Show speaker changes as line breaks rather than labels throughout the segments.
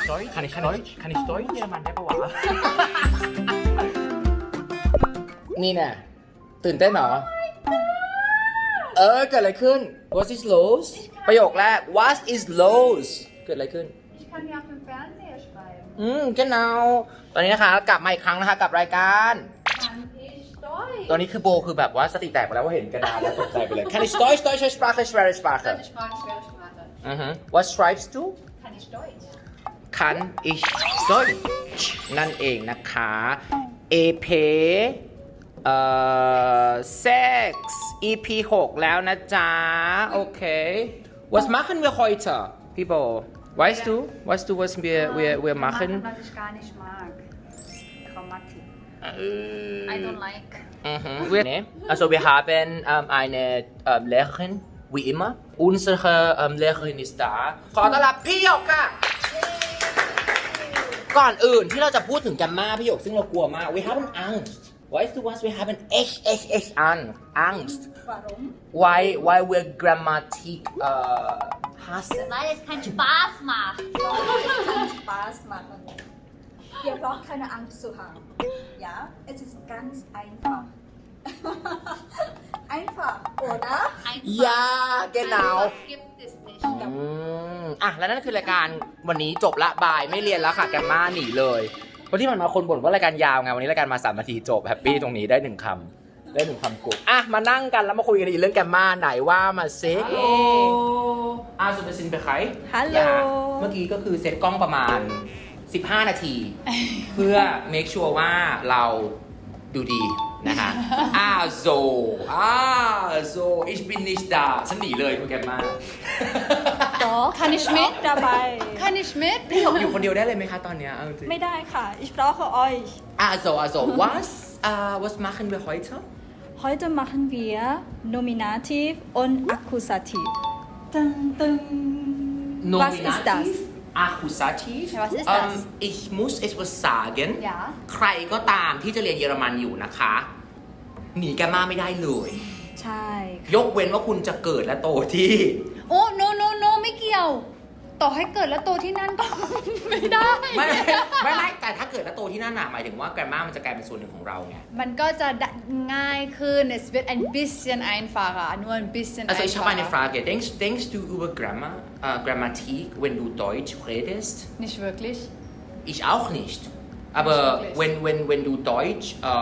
Deutsch kann ich Deutsch เยอรมันได้ปะวะ นี่น่ะตื่นเต้นเหรอเกิดอะไรขึ้น What is los ประโยคแรก What is los เกิดอะไรขึ้น
Ich kann hier auf dem Fernseher schreiben.
genau ตอนนี้นะคะกลับมาอีกครั้งนะคะกับรายการ
Kann ich Deutsch?
ตอนนี้คือโบคือแบบว่าสติแตกไปแล้วว่าเห็นกระดาษแล้วตกใจไปเลย Kann ich Deutsch deutsche Sprache schwere Sprache
Deutsche Sprache, schwere Sprache.
What schreibst du
Kann ich Deutsch?
Kann ich Deutsch นั่นเองนะคะ EP 6 EP 6 แล้วนะจ๊ะ โอเค Was machen wir heute พี่โบ Weißt du was wir machen
Was ich gar nicht mag. Grammatik. I don't like.
Also wir haben eine Lehrerin wie immer unsere Lehrerin ist da ขอต้อนรับพี่หยกค่ะ ก่อนอื่นที่เราจะพูดถึงแกมมาพี่หยกซึ่งเรากลัวมาก we have an Angst weißt du was we have an echt Angst
Warum?
why wir Grammatik hassen
Weil es keinen Spaß macht.
Weil es keinen Spaß machen. Ihr braucht keine Angst zu haben. Ja, es ist ganz einfach. Einfach, oder?
Einfach.
ja genau
Einfach gibt es nicht.
แล้วนั่นคือรายการวันนี้จบละบายไม่เรียนแล้วค่ะแกมมาหนีเลยเพราะที่มันมาคนบ่นว่ารายการยาวไงวันนี้รายการมา3 นาทีจบแฮปปี้ตรงนี้ได้1 คำได้1 คำกูมานั่งกันแล้วมาคุยกันอีกเรื่องแกมมาไหนว่ามาเซ็กสุดสินไปใคร
Hallo
เมื่อกี้ก็คือเซตกล้องประมาณ15 นาที เพื่อ make sure ว่าเราดูดีนะคะich bin nicht da ฉันหนีเลยคุณแกมมา
Doch,
Kann ich mit?
dabei.
Kann ich mit?
พี่หยกอยู่คนเดียวได้เลยไหมคะตอนเนี้ยเอาจริง
ไม่ได้ค่ะ ich brauche euch.
was machen wir heute
Heute machen wir Nominativ und Akkusativ. Dun, dun. Was ist das?
Akkusativ
Ja, was ist das?
ich muss etwas sagen
Ja.
ใครก็ตามที่จะเรียนเยอรมันอยู่นะคะหนีแกมมาไม่ได้เลย
ใช่ค่ะ
ยกเว้นว่าคุณจะเกิดและโตที่
โอ้ no ไม่เกี่ยว ต่อให้เกิดแล้วโตที่นั่นก็ ไม่ได้
ไม่แต่ถ้าเกิดและโตที่นั่นน่ะหมายถึงว่าแกรมมามันจะกลายเป็นส่วนหนึ่งของเราไง
มันก็จะง่ายขึ้น es wird ein bisschen einfacher nur ein bisschen
Also ich habe eine
einfacher
Frage. Denkst du über Grammatik, wenn du Deutsch redest?
nicht wirklich
Ich auch nicht. Aber
Nicht
wenn du Deutsch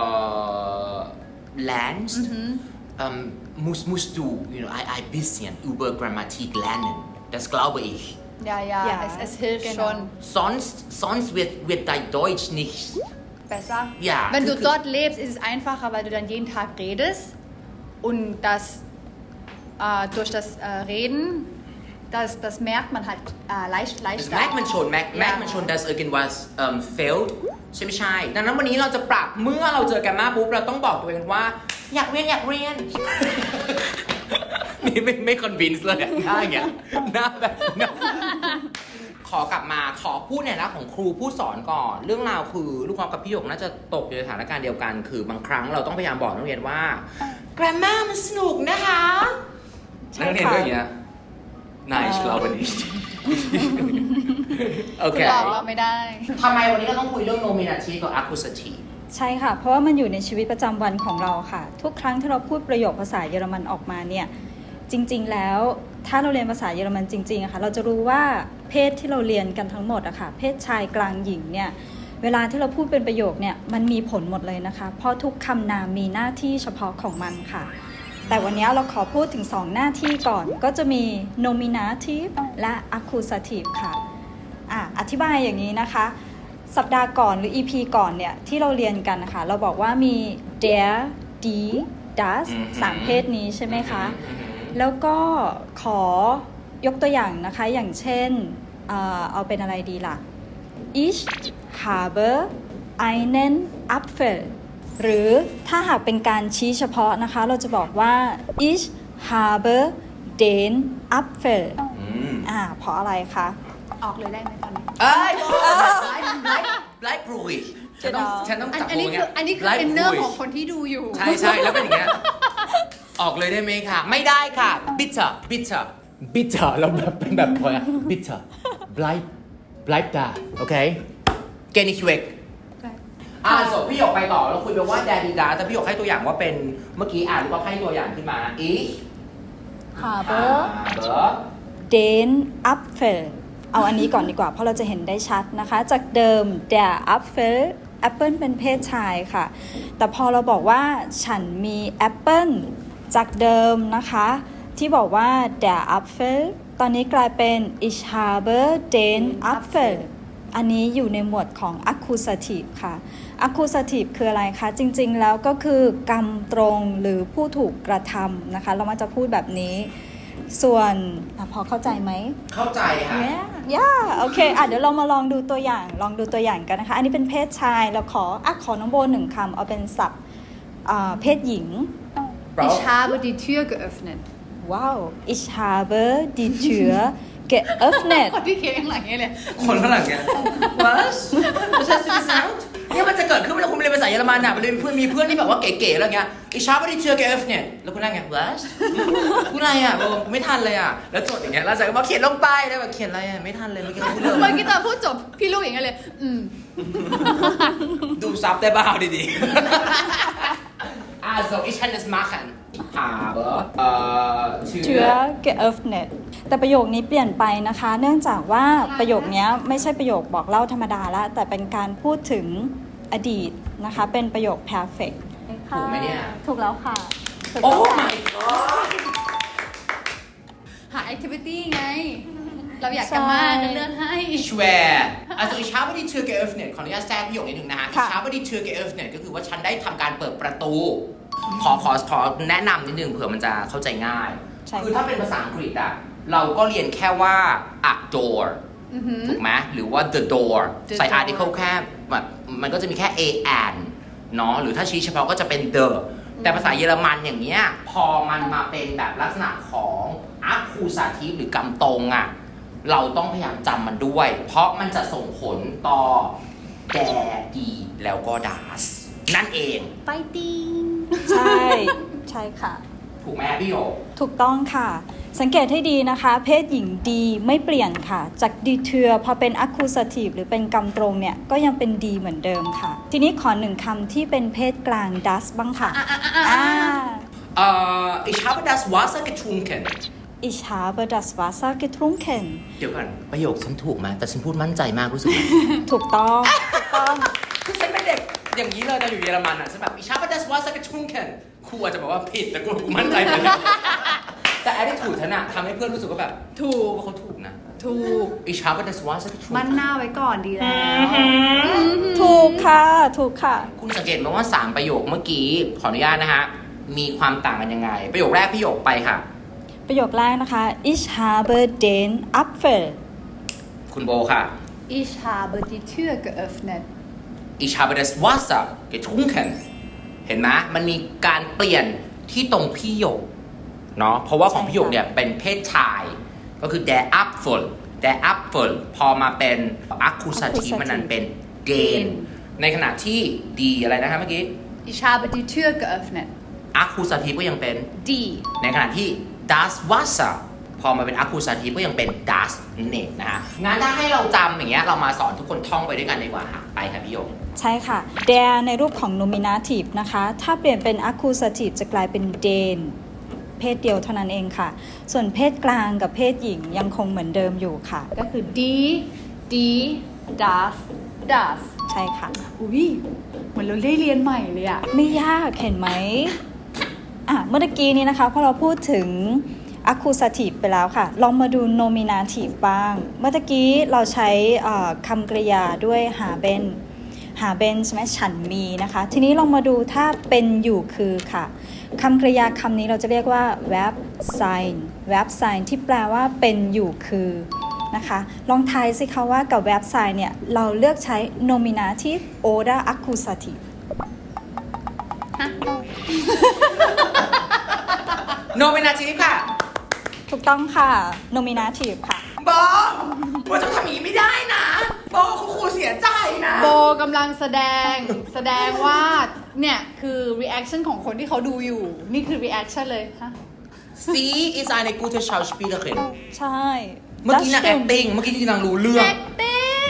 lernst, musst du ein bisschen über Grammatik lernen. Das glaube ich.
ja
Ja,
es hilft
genau.
schon
Sonst wird dein Deutsch nicht.
besser
Ja,
wenn du
คือ
dort lebst ist es einfacher weil du dann jeden Tag redest und das durch das Reden das merkt man halt
Das
leichter
merkt man schon, dass irgendwas fehlt ใช่ไม่ใช่ดังนั้นวันนี้เราจะปรับเมื่อเราเจอกันมาปุ๊บเราต้องบอกตัวเองว่าอยากเรียน นี่ไม่คอนวินส์เลยหน้าอย่างเงี้ยหน้าแบบขอกลับมาขอพูดในฐานะของครูผู้สอนก่อนเรื่องราวคือลูกน้องกับพี่หยกน่าจะตกอยู่ในสถานการณ์เดียวกันคือบางครั้งเราต้องพยายามบอกนักเรียนว่า grammar มันสนุกนะคะนักเรียนก็อย่างเงี้ยNein, ich glaube nicht. โอเค
บอกเราไม่ได้
ทำไมวันนี้เราต้องคุยเรื่อง nominative กับ accusative
ใช่ค่ะ เพราะว่ามันอยู่ในชีวิตประจำวันของเราค่ะ ทุกครั้งที่เราพูดประโยคภาษาเยอรมันออกมาเนี่ย จริงๆ แล้วถ้าเราเรียนภาษาเยอรมันจริงๆอะค่ะ เราจะรู้ว่าเพศที่เราเรียนกันทั้งหมดอะค่ะ เพศชายกลางหญิงเนี่ย เวลาที่เราพูดเป็นประโยคเนี่ย มันมีผลหมดเลยนะคะ เพราะทุกคำนามมีหน้าที่เฉพาะของมันค่ะ แต่วันนี้เราขอพูดถึง2หน้าที่ก่อน ก็จะมี nominative และ accusative ค่ะ อธิบายอย่างนี้นะคะ สัปดาห์ก่อนหรือ EP ก่อนเนี่ยที่เราเรียนกันนะคะ เราบอกว่ามี der die das 3 เพศนี้ใช่ไหมคะ แล้วก็ขอยกตัวอย่างนะคะ อย่างเช่น เอาเป็นอะไรดีล่ะ ich habe einen Apfel หรือถ้าหากเป็นการชี้เฉพาะนะคะ เราจะบอกว่า ich habe den Apfel เพราะอะไรคะ
ออกเลยได้ไหมตอนนี้
เอ้ยไลฟ์รูยฉันต้องจับ
อันนี้
ตัว
คือ
เงี้ย
อินเนอร์ของคนที่ดูอยู่
ใช่แล้วเป็นอย่างเงี้ยออกเลยได้ไหมคะไม่ได้ค่ะ bitter เราแบบเป็นแบบพอbitter like that โอเค get it quick ส่งพี่หยกไปต่อแล้วคุยไปว่า daddy da แต่พี่หยกให้ตัวอย่างว่าเป็นเมื่อกี้ลูกก็ให้ตัวอย่างขึ้นมา ich
habe
habe
den Apfel เอาอันนี้ก่อนดีกว่าเพราะเราจะเห็นได้ชัดนะคะ จากเดิม der Apfel แอปเปิลเป็นเพศชายค่ะ แต่พอเราบอกว่าฉันมีแอปเปิลจากเดิมนะคะที่บอกว่า der Apfel ตอนนี้กลายเป็น ich habe den Apfel อันนี้อยู่ในหมวดของ accusative ค่ะ accusative คืออะไรคะ จริงๆแล้วก็คือกรรมตรงหรือผู้ถูกกระทำนะคะ เรามาจะพูดแบบนี้ ส่วนพอเข้าใจไหม
เข้าใจค่ะ
โอเคเดี๋ยวเรามาลองดูตัวอย่างกันนะคะ อันนี้เป็นเพศชายเราขอน้องโบ1คำเอาเป็นศัพท์เพศหญิง
Ich habe die Tür geöffnet
ว้าว ich habe die Tür geöffnet
คนที่เขียนข้างหลังนี้เลย
คนข้างหลังเนี่ย was was has to be sound เนี่ยมันจะเกิดขึ้นเวลาคุณเรียนภาษาเยอรมันอ่ะมันมีเพื่อนที่แบบว่าเก๋ๆอะไรเงี้ย ich habe die Tür geöffnet แล้วคุณนั่งไง was พูดอะไรอ่ะผมไม่ทันเลยอ่ะแล้วจดอย่างเงี้ยแล้วจะมาเขียนลงไปแล้วแบบเขียนอะไรอ่ะไม่ทันเลยเมื่อกี้พูดเลย
เมื่อกี้ตอนพูดจบพี่ลูกอย่างเงี้ยเลย
ดูซับได้บ้างดีๆso ich kann das machen habe
Tür geöffnet แต่ประโยคนี้เปลี่ยนไปนะคะ เนื่องจากว่าประโยคนี้ไม่ใช่ประโยคบอกเล่าธรรมดาแล้วแต่เป็นการพูดถึงอดีตนะคะเป็นประโยค perfect
ถูกไหมเนี่ย
ถูกแล้วค่ะถูก
โอ้
ต้องค่ะ
my god
หา activity ไง เราอยากจะมาจะเลือกให้
schwer also ich habe die Tür geöffnet ขออนุญาตแทรกประโยคนิดนึงนะฮะ ich habe die Tür geöffnet ก็คือว่าฉันได้ทำการเปิดประตูขอแนะนำนิดนึงเผื่อมันจะเข้าใจง่าย คือถ้าเป็นภาษาอังกฤษอะเราก็เรียนแค่ว่า a door ถูกไหมหรือว่า the door ใส่ article แค่แบบมันก็จะมีแค่ a and เนาะหรือถ้าชี้เฉพาะก็จะเป็น the แต่ภาษาเยอรมันอย่างเงี้ยพอมันมาเป็นแบบลักษณะของ accusative หรือกำตรงอะเราต้องพยายามจำมันด้วย เพราะมันจะส่งผลต่อ der die แล้วก็ das นั่นเอง
fighting
ใช่ค่ะ
ถูกไหมพี่โย
ถูกต้องค่ะ สังเกตให้ดีนะคะ เพศหญิงดีไม่เปลี่ยนค่ะ จากดีเทือพอเป็น accusative หรือเป็นกำตรงเนี่ยก็ยังเป็นดีเหมือนเดิมค่ะ ทีนี้ขอ1คำที่เป็นเพศกลาง das บ้างค่ะ
ich habe das Wasser getrunken
Ich habe das Wasser getrunken
เดี๋ยวก่อนประโยคฉันถูกไหมแต่ฉันพูดมั่นใจมากรู้สึก
ถูกต้อง
คือฉันเป็นเด็กอย่างนี้เลยตอนอยู่เยอรมันอ่ะฉันแบบ ich habe das Wasser getrunken ครูอาจจะบอกว่าผิดแต่กูมั่นใจเลยแต่ attitude ฉันอะทำให้เพื่อนรู้สึกว่าแบบถูกว่าเขาถูกนะ
ถูก
ich habe das Wasser getrunken
มั่นหน้าไว้ก่อนดีแล้ว
ถูกค่ะ
คุณสังเกตไหมว่า3ประโยคเมื่อกี้ขออนุญาตนะฮะมีความต่างกันยังไงประโยคแรกพี่หยกไปค่ะ
ประโยคแรกนะคะ Ich habe den Apfel
คุณโบค่ะ
Ich habe die Tür geöffnet
Ich habe das Wasser getrunken เห็นไหมมันมีการเปลี่ยนที่ตรงพี่หยกเนาะเพราะว่าของพี่หยกเนี่ยเป็นเพศชายก็คือ der Apfel พอมาเป็น accusative มันนั้นเป็น den ในขณะที่ die อะไรนะคะเมื่อกี้
Ich habe die Tür geöffnet
accusative ก็ยังเป็น
die
ในขณะที่ das Wasser พอมาเป็น accusative ก็ยังเป็น das นั่นเองนะฮะงั้นถ้าให้เราจำอย่างเงี้ยเรามาสอนทุกคนท่องไปด้วยกันดีกว่าค่ะไปค่ะพี่หยก
ใช่ค่ะ der ในรูปของ nominative นะคะถ้าเปลี่ยนเป็น accusative จะกลายเป็น den เพศเดียวเท่านั้นเองค่ะส่วนเพศกลางกับเพศหญิงยังคงเหมือนเดิมอยู่ค่ะ
ก็คือ die das
ใช่ค่ะ
อุ้ยเหมือนเราได้เรียนใหม่เลยอะ
ไม่ยากเห็นไหมเมื่อกี้นี้นะคะพอเราพูดถึง accusative ไปแล้วค่ะลองมาดู nominative บ้างเมื่อกี้เราใช้คำกริยาด้วยหาเป็นใช่ไหมฉันมีนะคะทีนี้ลองมาดูถ้าเป็นอยู่คือค่ะคำกริยาคำนี้เราจะเรียกว่า verb sign ที่แปลว่าเป็นอยู่คือนะคะลองทายสิคะว่ากับ verb sign เนี่ยเราเลือกใช้ nominative oder accusative
nominative ค่ะ
ถูกต้องค่ะ nominative ค่ะ
โบจะทำอย่างนี้ไม่ได้นะโบครูเสียใจนะ
โบกำลังแสดงว่าเนี่ยคือ reaction ของคนที่เขาดูอยู่นี่คือ reaction เลยฮะ
Sie ist eine gute Schauspielerin
ใช่
เมื่อกี้นาง acting เมื่อกี้ที่นางรู้เรื่อง
acting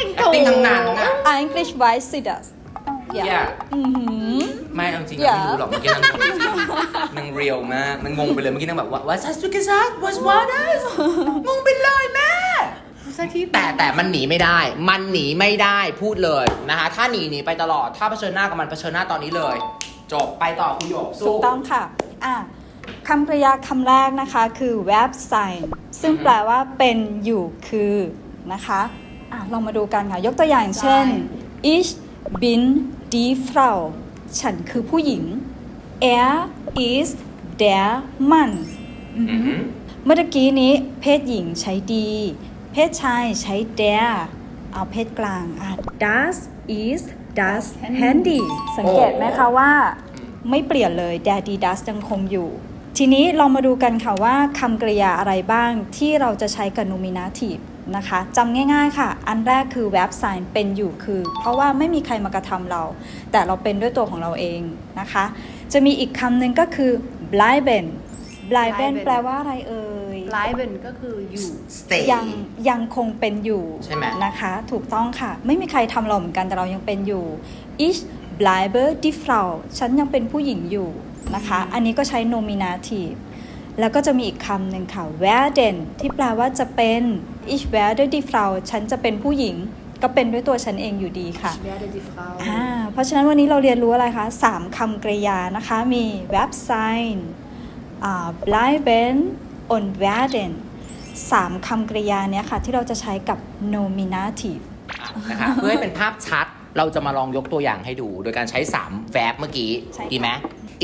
ทั้งนั้นอะ
English White Sidas
Yeah
อือหือ
ไม่เอาจริงๆ
Yeah
ไม่รู้หรอกเมื่อกี้นางเรียวมากนางงงไปเลยเมื่อกี้นางแบบว่า What's that to get that What's what is งงไปเลยแม่
ภาษาที่
แต่มันหนีไม่ได้ มันหนีไม่ได้พูดเลยนะคะถ้าหนีไปตลอดถ้าเผชิญหน้ากับมันเผชิญหน้าตอนนี้เลย จบไปต่อคุยโยก
ถู
สู้
กต้องค่ะคำกริยาคำแรกนะคะคือ verb sign ซึ่งแปลว่าเป็นอยู่คือนะคะลองมาดูกันค่ะ ยกตัวอย่างเช่น ich bin die Frau ฉันคือผู้หญิง er ist der Mann เมื่อกี้นี้เพศหญิงใช้ดี เพศชายใช้ der เอาเพศกลางdas ist das Handy สังเกตไหมคะว่าไม่เปลี่ยนเลย der die das ยังคงอยู่ ทีนี้เรามาดูกันค่ะว่าคำกริยาอะไรบ้างที่เราจะใช้กับ nominative นะคะจำง่ายๆค่ะ อันแรกคือ verb sign เป็นอยู่คือ เพราะว่าไม่มีใครมากระทำเรา แต่เราเป็นด้วยตัวของเราเองนะคะ จะมีอีกคำหนึ่งก็คือ bleiben bleiben แปลว่าอะไรเอ่ย
bleiben ก็คืออยู่
stay
ยังคงเป็นอยู่
ใช่ไหม
นะคะถูกต้องค่ะ ไม่มีใครทำเราเหมือนกันแต่เรายังเป็นอยู่ ich bleibe die Frau ฉันยังเป็นผู้หญิงอยู่นะคะอันนี้ก็ใช้ nominative แล้วก็จะมีอีกคำหนึ่งค่ะ werden ที่แปลว่าจะเป็น ich werde die Frau ฉันจะเป็นผู้หญิงก็เป็นด้วยตัวฉันเองอยู่ดีค่ะ
ich werde die Frau
เพราะฉะนั้นวันนี้เราเรียนรู้อะไรคะ3คำกริยานะคะมี verb sign bleiben und werden 3คำกริยาเนี้ยค่ะที่เราจะใช้กับ nominative
นะคะเพื่อให้เป็นภาพชัดเราจะมาลองยกตัวอย่างให้ดู โดยการใช้3 verb เมื่อกี้
ใช่ค่ะ
ดีไหม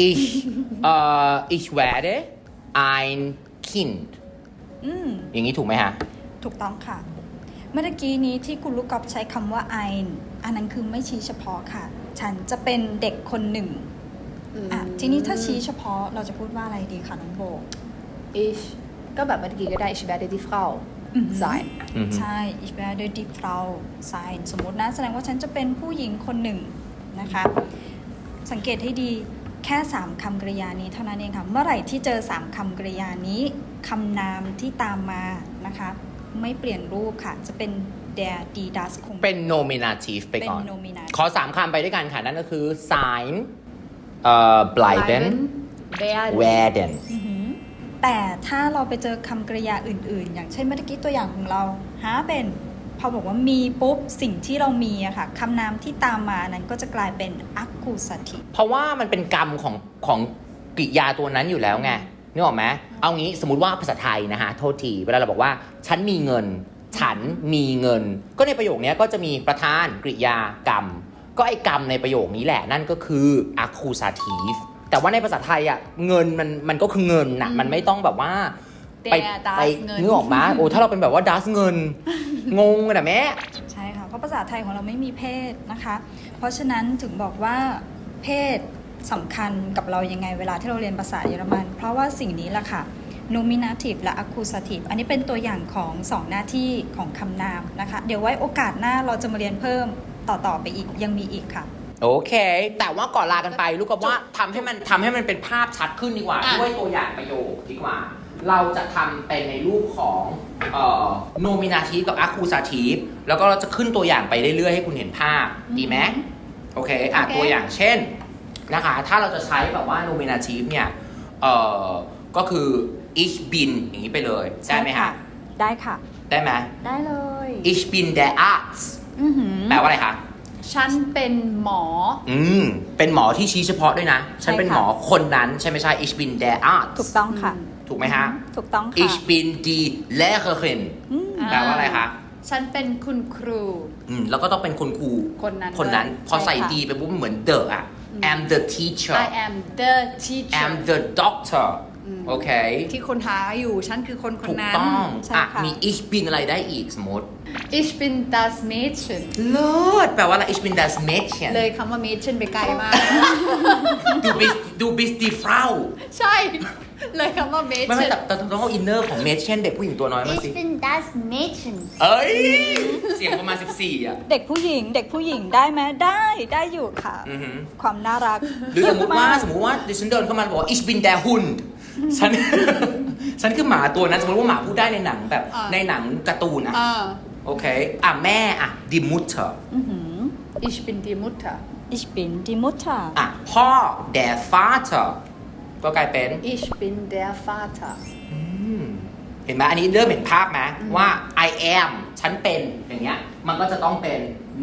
ich werde ein Kind อย่างนี้ถูกไหมฮะ
ถูกต้องค่ะ เมื่อกี้นี้ที่คุณลูกกอล์ฟใช้คำว่า ein อันนั้นคือไม่ชี้เฉพาะค่ะ ฉันจะเป็นเด็กคนหนึ่งทีนี้ถ้าชี้เฉพาะเราจะพูดว่าอะไรดีคะน้องโบ
ich ก็แบบเมื่อกี้ก็ได้ ich werde die Frau sein
ใช่ ich werde die Frau sein สมมตินะแสดงว่าฉันจะเป็นผู้หญิงคนหนึ่งนะคะ สังเกตให้ดีแค่3คำกริยานี้เท่านั้นเองค่ะ เมื่อไหร่ที่เจอ3คำกริยานี้คำนามที่ตามมานะคะไม่เปลี่ยนรูปค่ะจะเป็น der die das คง
เป็น nominative ไปก่อน
เป็น nominative
ขอ3คำไปด้วยกันค่ะ นั่นก็คือ sign bleiben werden
แต่ถ้าเราไปเจอคำกริยาอื่นๆ อย่างเช่นเมื่อกี้ตัวอย่างของเราหาเป็นพอบอกว่ามีปุ๊บสิ่งที่เรามีอะค่ะคำนามที่ตามมานั้นก็จะกลายเป็น accusative
เพราะว่ามันเป็นกรรมของกริยาตัวนั้นอยู่แล้วไงนึกออกไหมเอางี้สมมติว่าภาษาไทยนะฮะโทษทีเวลาเราบอกว่าฉันมีเงินฉันมีเงินก็ในประโยคนี้ก็จะมีประธานกริยากรรมก็ไอ้กรรมในประโยคนี้แหละนั่นก็คือ accusative แต่ว่าในภาษาไทยอ่ะเงินมันก็คือเงินน่ะมันไม่ต้องแบบว่าไป
das เงิน
นึกออกมาโอ้ถ้าเราเป็นแบบว่า das เงินงงกันอะแม่
ใช่ค่ะเพราะภาษาไทยของเราไม่มีเพศนะคะ เพราะฉะนั้นถึงบอกว่าเพศสำคัญกับเรายังไงเวลาที่เราเรียนภาษาเยอรมันเพราะว่าสิ่งนี้แหละค่ะ nominative และ accusative อันนี้เป็นตัวอย่างของ2หน้าที่ของคำนามนะคะเดี๋ยวไว้โอกาสหน้าเราจะมาเรียนเพิ่มต่อไปอีกยังมีอีกค่ะ
โอเค แต่ว่าก่อนลากันไปลูกกับว่าทำให้มันเป็นภาพชัดขึ้นดีกว่าด้วยตัวอย่างประโยคดีกว่า เราจะทำเป็นในรูปของnominative กับ accusative แล้วก็เราจะขึ้นตัวอย่างไปเรื่อยๆให้คุณเห็นภาพดีไหมโอเคตัวอย่างเช่นนะคะถ้าเราจะใช้แบบว่า nominative เนี่ยก็คือ ich bin อย่างนี้ไปเลยได้ไหมคะ
ได้ค่ะ
ได้ไหม
ได้เลย
ich bin der Arzt แปลว่าอะไรคะ
ฉันเป็นหมอ
เป็นหมอที่ชี้เฉพาะด้วยนะฉันเป็นหมอคนนั้นใช่ไหมใช่ ich bin der Arzt
ถูกต้องค่ะ
ถูกไหมฮะ
ถูกต้องค่ะ
ich bin die Lehrerin แปลว่าอะไรคะ
ฉันเป็นคุณครู
แล้วก็ต้องเป็นคุณครูคนนั้นพอใส่ดีไปปุ๊บเหมือน the อ่ะ am the teacher
I am the teacher
am the doctor โอเค
ที่คนหาอยู่ฉันคือคน
ถูก
นั้น
ต้อง
ใช่ค่ะ
มี ich bin อะไรได้อีกสมมติ
ich bin das Mädchen
เลิศแปลว่าอะไร ich bin das Mädchen
เลยคำว่า Mädchen ไปไกลมาก
du bist die Frau
ใช่ เลยคำว่า
ไม่
Mädchen
แต่ต้องเอาอินเนอร์ของ Mädchen เด็กผู้หญิงตัวน้อยมาสิ
Ich bin das Mädchen
เอ้ย เสียงประมาณ 14 อ่ะ
เด็กผู้หญิงได้ไหมได้อยู่ค่ะ ความน่ารัก
หรือสมมติว่าดิฉันเดินเข้ามาบอกว่า ich bin der Hund ฉันคือหมาตัวนั้นสมมติว่าหมาพูดได้ในหนังแบบในหนังการ์ตูนอะโอเคแม่die Mutter
Ich bin die Mutter
Ich bin die Mutter
พ่อ der Vater ก็กลายเป็น
Ich bin der Vater
เห็นไหมอันนี้เริ่มเห็นภาพไหมว่า I am ฉันเป็นอย่างเงี้ยมันก็จะต้องเป็น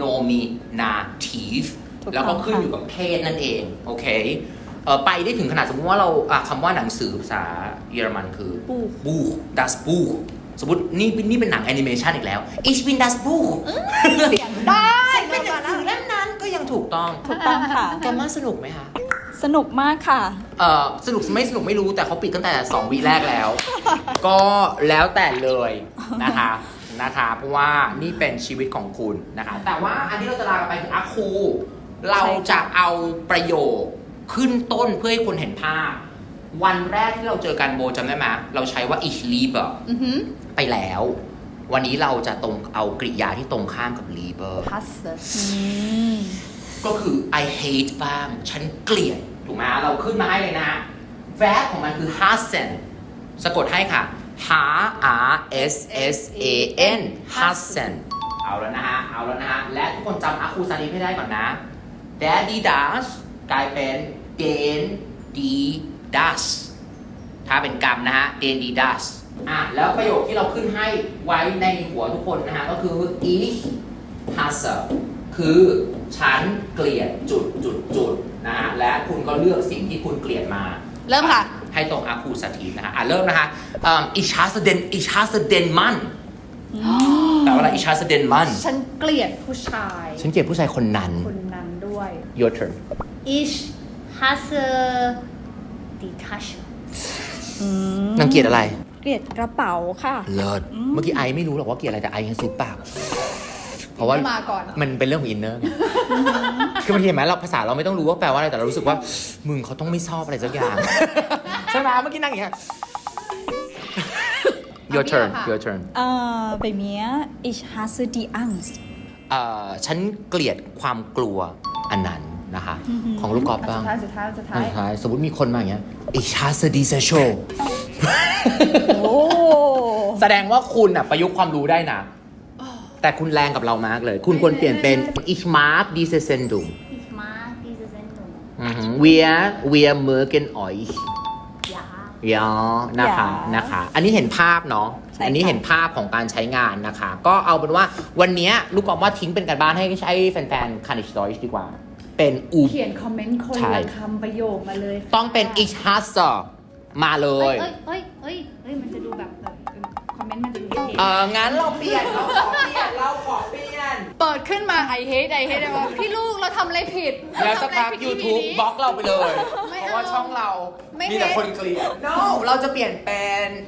nominative
ถูกต้อง
แล้วก็ขึ้นอยู่กับเพศนั่นเองโอเคไปได้ถึงขนาดสมมติว่าเราคำว่าหนังสือภาษาเยอรมันคือ Buch das Buch สมมตินี่เป็นหนังแอนิเมชันอีกแล้ว Ich bin das Buch
เสียงได้
ฉันเป็นหนังสือเล่มนั้นก็ยังถูกต้อง
ถูกต้องค่ะ
แกมาสนุกไหมคะ
สนุกมากค่ะ
สนุกไม่สนุกไม่รู้แต่เขาปิดตั้งแต่2 วีแรกแล้ว ก็แล้วแต่เลยนะคะเพราะว่านี่เป็นชีวิตของคุณนะคะแต่ว่าอันที่เราจะลากันไปคืออาคูเราจะเอาประโยคขึ้นต้นเพื่อให้คนเห็นภาพ วันแรกที่เราเจอกันโบจำได้ไหมเราใช้ว่า ich liebe ไปแล้ว วันนี้เราจะเอากริยาที่ตรงข้ามกับ liebe
hasse
ก็คือ I hate บ้าง ฉันเกลียด ถูกไหมเราขึ้นมาให้เลยนะ verb ของมันคือ hassen สะกดให้ค่ะ h a s s a n hassen เอาแล้วนะฮะ และทุกคนจำอาคูซานีให้ได้ก่อนนะ daddy does กลายเป็น den die das ถ้าเป็นกรรมนะฮะ den die das แล้วประโยคที่เราขึ้นให้ไว้ในหัวทุกคนนะฮะ ก็คือ ich hasse คือฉันเกลียดจุดนะฮะและคุณก็เลือกสิ่งที่คุณเกลียดมา
เริ่มค่ะ
ให้ตรงอาคูสถีนะฮะเริ่มนะคะich hasse den Mann แต่ว่าอะไร ich hasse den Mann
ฉันเกลียดผู้ชาย
ฉันเกลียดผู้ชายคนนั้น
คนนั้นด้วย
your turn
Ich hasse die Tasche
นางเกลียดอะไร
เกลียดกระเป๋าค่ะ
เลิศเมื่อกี้ไอไม่รู้หรอกว่าเกลียดอะไรแต่ไอยังซูปากเพราะว่า
มาก่อน
มันเป็นเรื่องของอินเนอร์คือบางทีเห็นไหมเราภาษาเราไม่ต้องรู้ว่าแปลว่าอะไรแต่เรารู้สึกว่ามึงเขาต้องไม่ชอบอะไรสักอย่าง ใช่ไหมเมื่อกี้นั่งอย่างเงี้ย your turn
bei mir ich hasse die Angst
ฉันเกลียดความกลัวอันนั้นนะคะของลูกกอล์ฟบ้าง
สุดท้าย
สมมติมีคนมาอย่างเงี้ย ich hasse diese Show
โอ้
แสดงว่าคุณประยุกต์ความรู้ได้นะแต่คุณแรงกับเรามากเลย คุณควรเปลี่ยนเป็น ich mag diese Sendung
Ich mag diese Sendung
wir mögen euch
ja
ยอนะคะ อันนี้เห็นภาพเนาะ อันนี้เห็นภาพของการใช้งานนะคะ ก็เอาเป็นว่าวันนี้ลูกกอล์ฟว่าทิ้งเป็นการบ้านให้ใช้แฟนๆ Kanish Deutsch ดีกว่า เป็น
เขียนคอมเมนต์คนละคำประโยคมาเลย
ต้องเป็น ich hasse มาเลย
มันจะดูแบบคอมเมนต์มันจะดูเท่
งั้นเราขอเปลี่ยน
เปิดขึ้นมาไอเฮดเลยว่าพี่ลูกเราทำอะไรผิด
แล้วสักพัก YouTube บล็อกเราไปเลย
ไม่
เพ
เอา
ราะว่าช่องเรา
ไม่
มีแต่คนเกลียด no เราจะเปลี่ยนเป็น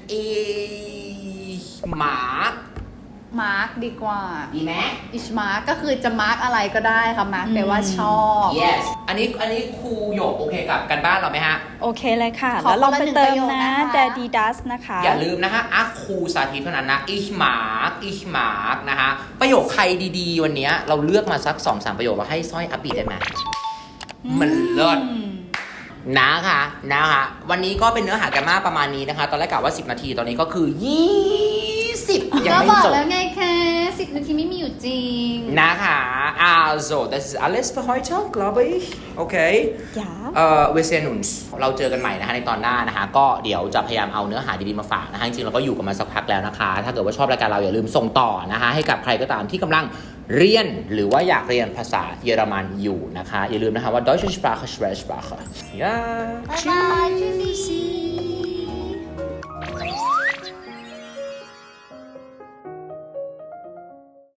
มาร์ก
มาร์กดีกว่า
ดีไหม
อิชมาร์กก็คือจะมาร์กอะไรก็ได้ค่ะมาร์กแปลว่าชอบ
yes อันนี้ครูหยกโอเคกับกันบ้านเราไหมฮะ
โอเคเลยค่ะ
ขอ
แล้วลองไปเติม
คนละหนึ่งประโยค
นะ
นะคะ
daddy does นะคะ
อย่าลืมนะฮะครูสาธิตเท่านั้นนะ ich mag นะฮะประโยคใครดีๆ วันนี้เราเลือกมาสัก 2-3 ประโยคเราให้สร้อยอัปปีได้ไหมมันเลิศนะคะวันนี้ก็เป็นเนื้อหากันมาประมาณนี้นะคะ ตอนแรกกะว่า10 นาทีตอนนี้ก็คือ 20 ยัง
ก็
ไม่
บอก
จบ
แล้วไงคะ10 นาทีไม่มีอยู่จริง
นะคะ also das ist alles für heute glaube ich okay
ja
wir sehen uns เราเจอกันใหม่นะคะในตอนหน้านะคะก็เดี๋ยวจะพยายามเอาเนื้อหาดีๆมาฝากนะคะจริงๆเราก็อยู่กันมาสักพักแล้วนะคะถ้าเกิดว่าชอบรายการเราอย่าลืมส่งต่อนะคะให้กับใครก็ตามที่กำลังเรียนหรือว่าอยากเรียนภาษาเยอรมันอยู่นะคะอย่าลืมนะคะว่า Deutsche Sprache Schwer Sprache ja
บ๊ายบาย